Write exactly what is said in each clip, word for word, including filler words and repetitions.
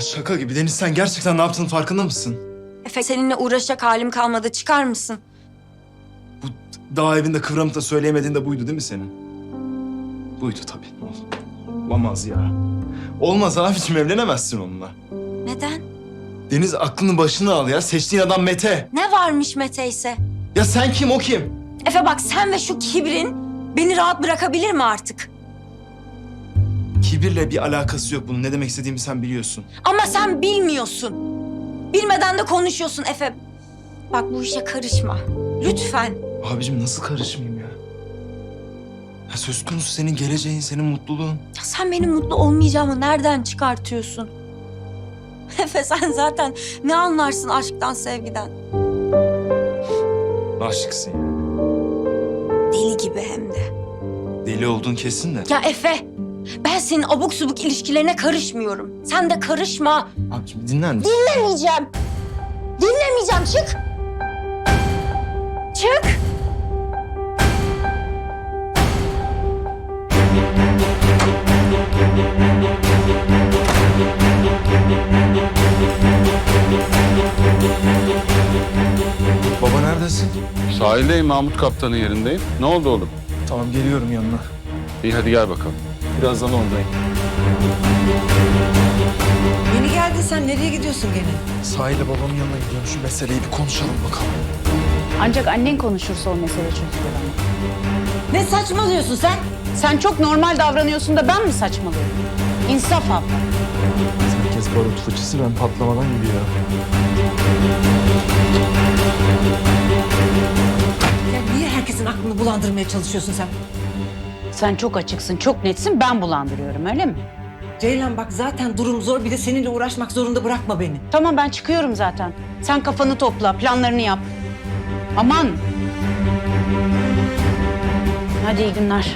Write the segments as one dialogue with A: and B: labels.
A: Ya şaka gibi. Deniz, sen gerçekten ne yaptığının farkında mısın?
B: Efe, seninle uğraşacak halim kalmadı. Çıkar mısın?
A: Bu dağ evinde kıvranıp da söyleyemediğin de buydu değil mi senin? Buydu tabii. Olamaz ya. Olmaz abiciğim, evlenemezsin onunla.
B: Neden?
A: Deniz, aklını başına al ya. Seçtiğin adam Mete.
B: Ne varmış Mete ise?
A: Ya sen kim, o kim?
B: Efe bak, sen ve şu kibrin beni rahat bırakabilir mi artık?
A: Kibirle bir alakası yok bunun. Ne demek istediğimi sen biliyorsun.
B: Ama sen bilmiyorsun. Bilmeden de konuşuyorsun Efe. Bak, bu işe karışma. Lütfen.
A: Abicim nasıl karışmayayım ya? Ya söz konusu senin geleceğin, senin mutluluğun.
B: Ya sen benim mutlu olmayacağımı nereden çıkartıyorsun? Efe, sen zaten ne anlarsın aşktan, sevgiden?
A: Aşıksın ya.
B: Deli gibi hem de.
A: Deli olduğun kesin de.
B: Ya Efe, ben senin abuk subuk ilişkilerine karışmıyorum. Sen de karışma.
A: Abicim dinler misin?
B: Dinlemeyeceğim. Dinlemeyeceğim. Çık. Çık.
A: Baba neredesin?
C: Sahildeyim, Mahmut Kaptan'ın yerindeyim. Ne oldu oğlum?
A: Tamam, geliyorum yanına.
C: İyi, hadi gel bakalım.
A: Birazdan oradayım.
D: Yeni geldin sen. Nereye gidiyorsun gene?
A: Sahil'le babamın yanına gidiyorum. Şu meseleyi bir konuşalım bakalım.
E: Ancak annen konuşursa o mesele çözülür ama.
D: Ne saçmalıyorsun sen?
E: Sen çok normal davranıyorsun da ben mi saçmalıyorum? İnsaf abla.
A: Herkes barut fıçısı, ben patlamadan gidiyor.
D: Ya niye herkesin aklını bulandırmaya çalışıyorsun sen?
E: Sen çok açıksın, çok netsin, ben bulandırıyorum öyle mi?
D: Ceylan bak, zaten durum zor. Bir de seninle uğraşmak zorunda bırakma beni.
E: Tamam, ben çıkıyorum zaten. Sen kafanı topla, planlarını yap. Aman! Hadi iyi günler.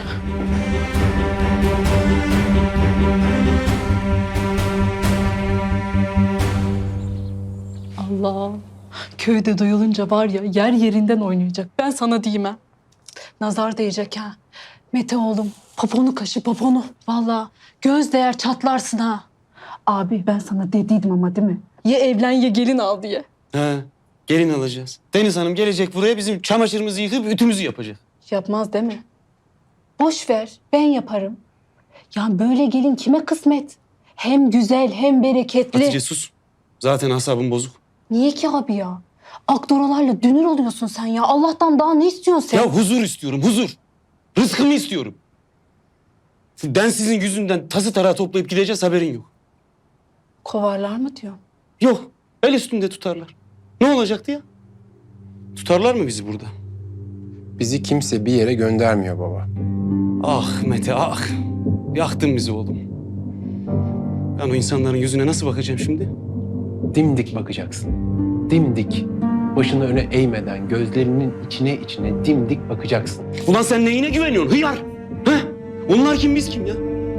F: Allah. Köyde duyulunca var ya, yer yerinden oynayacak. Ben sana diyeyim ha. Nazar değecek ha. Mete oğlum, poponu kaşı poponu. Vallahi göz değer çatlarsın ha. Abi ben sana dediydim ama değil mi? Ya evlen ya gelin al diye.
G: He, gelin alacağız. Deniz Hanım gelecek buraya, bizim çamaşırımızı yıkıp ütümüzü yapacak.
F: Yapmaz değil mi? Boş ver, ben yaparım. Ya böyle gelin kime kısmet? Hem güzel hem bereketli.
G: Hatice sus. Zaten asabım bozuk.
F: Niye ki abi ya? Akdoralarla dünür oluyorsun sen ya. Allah'tan daha ne istiyorsun sen?
G: Ya huzur istiyorum, huzur. Rızkımı istiyorum. Ben sizin yüzünden tası tarağı toplayıp gideceğiz, haberin yok.
F: Kovarlar mı diyor?
G: Yok, el üstünde tutarlar. Ne olacaktı ya? Tutarlar mı bizi burada?
H: Bizi kimse bir yere göndermiyor baba.
G: Ah Mete, ah. Yaktın bizi oğlum. Ben o insanların yüzüne nasıl bakacağım şimdi?
H: Dimdik bakacaksın. Dimdik. Başını öne eğmeden gözlerinin içine içine dimdik bakacaksın.
G: Ulan sen neyine güveniyorsun hıyar? He? Onlar kim, biz kim ya?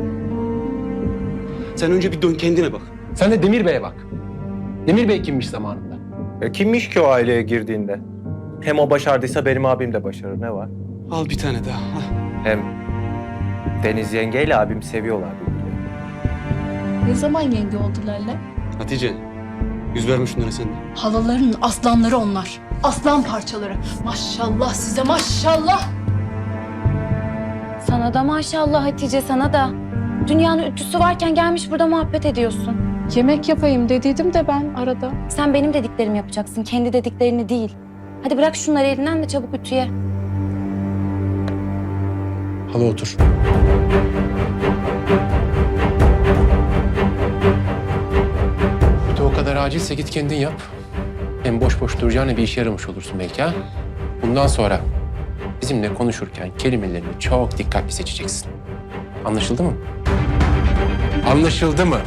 G: Sen önce bir dön kendine bak.
H: Sen de Demir Bey'e bak. Demir Bey kimmiş zamanında?
I: Ya kimmiş ki o aileye girdiğinde? Hem o başardıysa benim abim de başarır. Ne var?
G: Al bir tane daha. Al.
I: Hem Deniz yengeyle abim seviyorlar birbirlerini.
F: Ne zaman yenge oldular lan?
G: Hatice, yüz verme şunlara sen de.
F: Halaların aslanları onlar. Aslan parçaları. Maşallah size maşallah.
J: Sana da maşallah Hatice, sana da. Dünyanın ütüsü varken gelmiş burada muhabbet ediyorsun.
F: Yemek yapayım dediydim de ben arada.
J: Sen benim dediklerimi yapacaksın, kendi dediklerini değil. Hadi bırak şunları elinden de çabuk ütüye.
H: Hala otur. Ütü o kadar acilse git kendin yap. Hem boş boş duracağına bir işe yaramış olursun belki ha. Bundan sonra bizimle konuşurken kelimelerini çok dikkatli seçeceksin. Anlaşıldı mı? Anlaşıldı mı?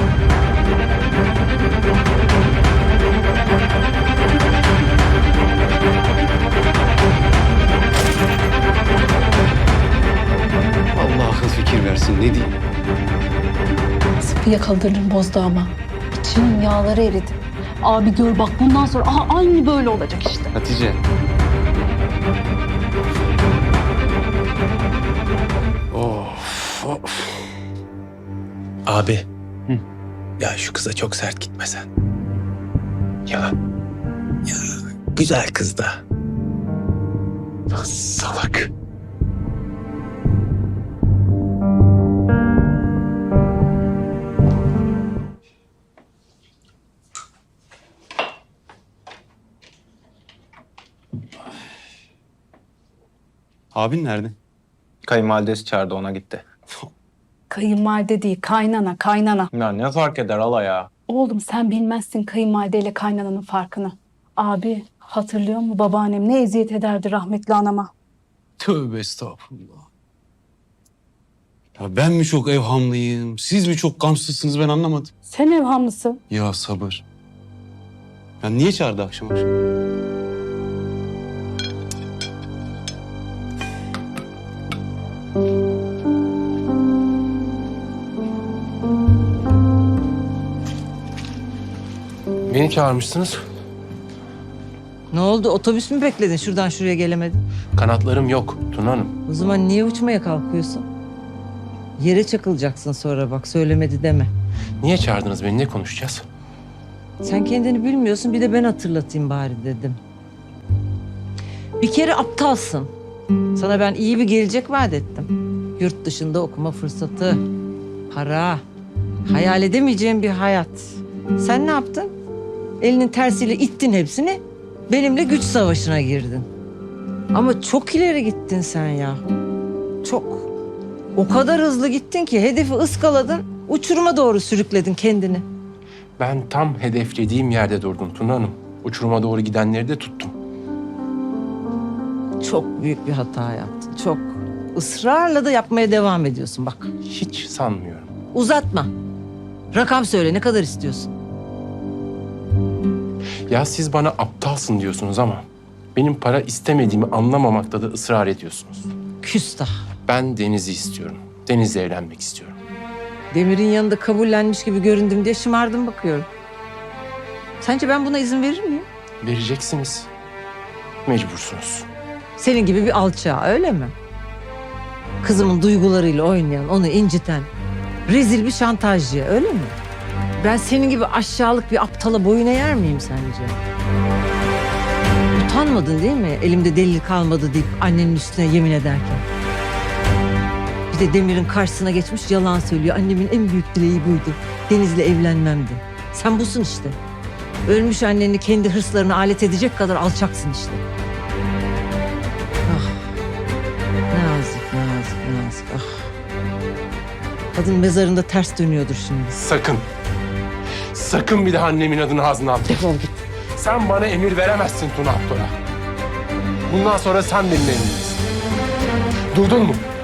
G: Allah akıl fikir versin, ne diyeyim?
F: Sıkı yakaladırırım bozdu ama. İçinin yağları eridi. Abi gör bak bundan sonra aha aynı böyle olacak işte.
G: Hatice. Of, of.
H: Abi.
G: Hı.
H: Ya şu kıza çok sert gitme sen. Ya. Ya güzel kız da. Lan salak.
G: Abin nerede?
I: Kayınvalidesi çağırdı, ona gitti.
F: Kayınvalide değil, kaynana, kaynana.
I: Ya ne fark eder hala ya?
F: Oğlum sen bilmezsin kayınvalideyle kaynananın farkını. Abi hatırlıyor musun babaannem ne eziyet ederdi rahmetli anama?
G: Tövbe estağfurullah. Ya ben mi çok evhamlıyım, siz mi çok gamsızsınız ben anlamadım.
F: Sen evhamlısın.
G: Ya sabır. Ya niye çağırdı akşam akşam?
H: Beni çağırmışsınız.
D: Ne oldu? Otobüs mü bekledin? Şuradan şuraya gelemedin.
H: Kanatlarım yok Tuna Hanım.
D: O zaman niye uçmaya kalkıyorsun? Yere çakılacaksın sonra bak söylemedi deme.
H: Niye çağırdınız beni? Ne konuşacağız?
D: Sen kendini bilmiyorsun bir de ben hatırlatayım bari dedim. Bir kere aptalsın. Sana ben iyi bir gelecek vaat ettim. Yurt dışında okuma fırsatı, para, hayal edemeyeceğin bir hayat. Sen ne yaptın? Elinin tersiyle ittin hepsini. Benimle güç savaşına girdin. Ama çok ileri gittin sen ya. Çok. O kadar hızlı gittin ki hedefi ıskaladın, uçuruma doğru sürükledin kendini.
H: Ben tam hedeflediğim yerde durdum Tuna Hanım. Uçuruma doğru gidenleri de tuttum.
D: Çok büyük bir hata yaptın, çok. Israrla da yapmaya devam ediyorsun bak.
H: Hiç sanmıyorum.
D: Uzatma. Rakam söyle, ne kadar istiyorsun?
H: Ya siz bana aptalsın diyorsunuz ama benim para istemediğimi anlamamakta da ısrar ediyorsunuz.
D: Küstah.
H: Ben Deniz'i istiyorum. Deniz'le evlenmek istiyorum.
D: Demir'in yanında kabullenmiş gibi göründüm diye şımardım bakıyorum. Sence ben buna izin verir miyim?
H: Vereceksiniz. Mecbursunuz.
D: Senin gibi bir alçağa, öyle mi? Kızımın duygularıyla oynayan, onu inciten, rezil bir şantajcı, öyle mi? Ben senin gibi aşağılık bir aptala boyun eğer miyim sence? Utanmadın değil mi? Elimde delil kalmadı deyip annenin üstüne yemin ederken. Bir de Demir'in karşısına geçmiş yalan söylüyor. Annemin en büyük dileği buydu. Deniz'le evlenmemdi. Sen busun işte. Ölmüş anneni kendi hırslarına alet edecek kadar alçaksın işte. Ah. Nazik, nazik, nazik. Ah. Kadın mezarında ters dönüyordur şimdi.
H: Sakın. Sakın bir daha annemin adını ağzına atma.
D: Defol git.
H: Sen bana emir veremezsin Tuna Aktor'a. Bundan sonra sen benim emrimdesin. Duydun mu?